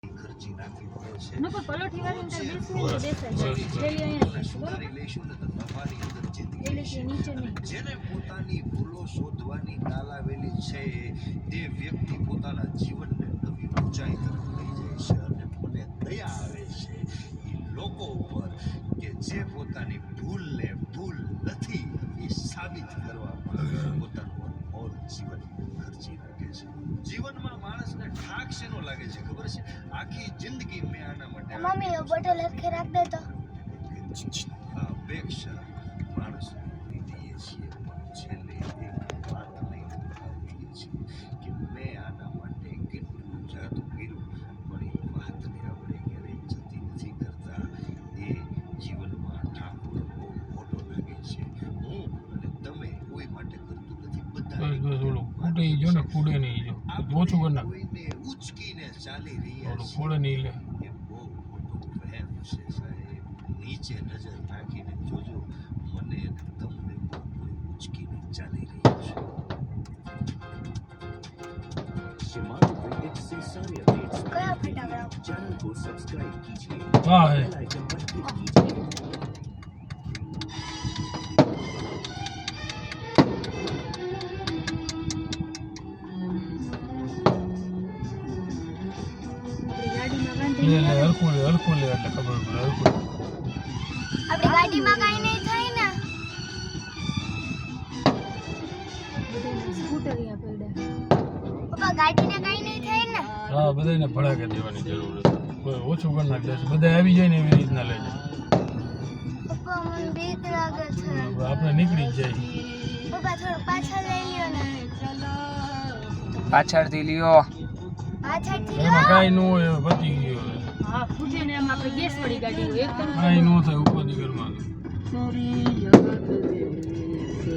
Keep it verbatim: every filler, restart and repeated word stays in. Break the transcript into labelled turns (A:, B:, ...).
A: ખર્ચી નાખવી પડે છે
B: ન પણ પલોઠી વાળી અંદર બેસી દેસાય પેલી અહીંયા
A: સુધારી લેશું ને તો તમારી અંદર જિંદગી
B: પેલી કે નીચે નહીં
A: જેને પોતાની ભૂલો શોધવાની તાલાવેલી છે તે વ્યક્તિ પોતાના જીવનને નવી ઊંચાઈ તરફ લઈ જાય છે અને મને દયા આવે છે એ લોકો ઉપર કે જે પોતાની ભૂલને ભૂલ નથી એ સાબિત કરવા પોતાનું અનમોલ જીવન ખર્ચી નાખે છે જીવનમાં માણસને ઠાક શેનો લાગે છે ખબર છે આખી જિંદગી મેં આના માટે
C: મમ્મી બોટલ હરખે રાખ દે તો
A: આ અપેક્ષા માણસ લીધીએ છીએ પણ છેલ્લે એક વાત લઈને આવીએ છીએ કે મેં આના માટે કેટલું જાદુ કર્યું પણ એ વાતને આપણે ક્યારેય જતી નથી કરતા એ જીવનમાં ઠાકોર બહુ મોટો લાગે છે હું અને તમે કોઈ માટે કરતું નથી બધા
D: બસ બસ ઓલું ફૂટે ઈ જો ને ફૂડે નહીં જો ઓછું કરી નાખ
A: કોઈને ઉચકીને ચાલી રહ્યા
D: ઓલું
A: છે
D: ફૂડે નહીં લે
A: એ બહુ મોટો વહેમ છે સાહેબ નીચે નજર નાખીને જોજો મને અને તમને પણ કોઈ ઉચકીને ચાલી રહ્યું છે
E: शिमारू क्रिकेट से सारे अपडेट्स
C: કયા ફટાકડા
E: चैनल को सब्सक्राइब कीजिए
D: वाह है
E: बेल आइकन पर क्लिक कीजिए
B: આપણી ગાડીમાં
D: લે
B: બાંધી
D: લે હરખું લે હરખું લે એટલે ખબર પડે હરખું
C: આપણી ગાડીમાં કાઈ નહીં થાય ને
B: બધાને સ્કૂટર અહીંયા પડ્યા
C: પપ્પા ગાડીને કાઈ નહીં થાય ને
D: હા બધાને ભડાકે દેવાની જરૂર છે કોઈ ઓછું કરી નાખ દે બધા આવી જાય ને એવી રીતના લઈ જાય
C: પપ્પા મને બીક લાગે છે
D: આપણે નીકળી જ જાય
C: પપ્પા થોડું પાછળ લઈ લ્યો ને
F: પાછળથી લ્યો
C: પાછળથી
D: એમાં
C: લો
D: કાંઈ ન હોય હવે પતી ગયું હવે
B: હા ફૂટે ને એમ આપણે ગેસ વાળી ગાડી હોય એકદમ
D: કાંઈ ન થાય ઉપરથી ઘરમાં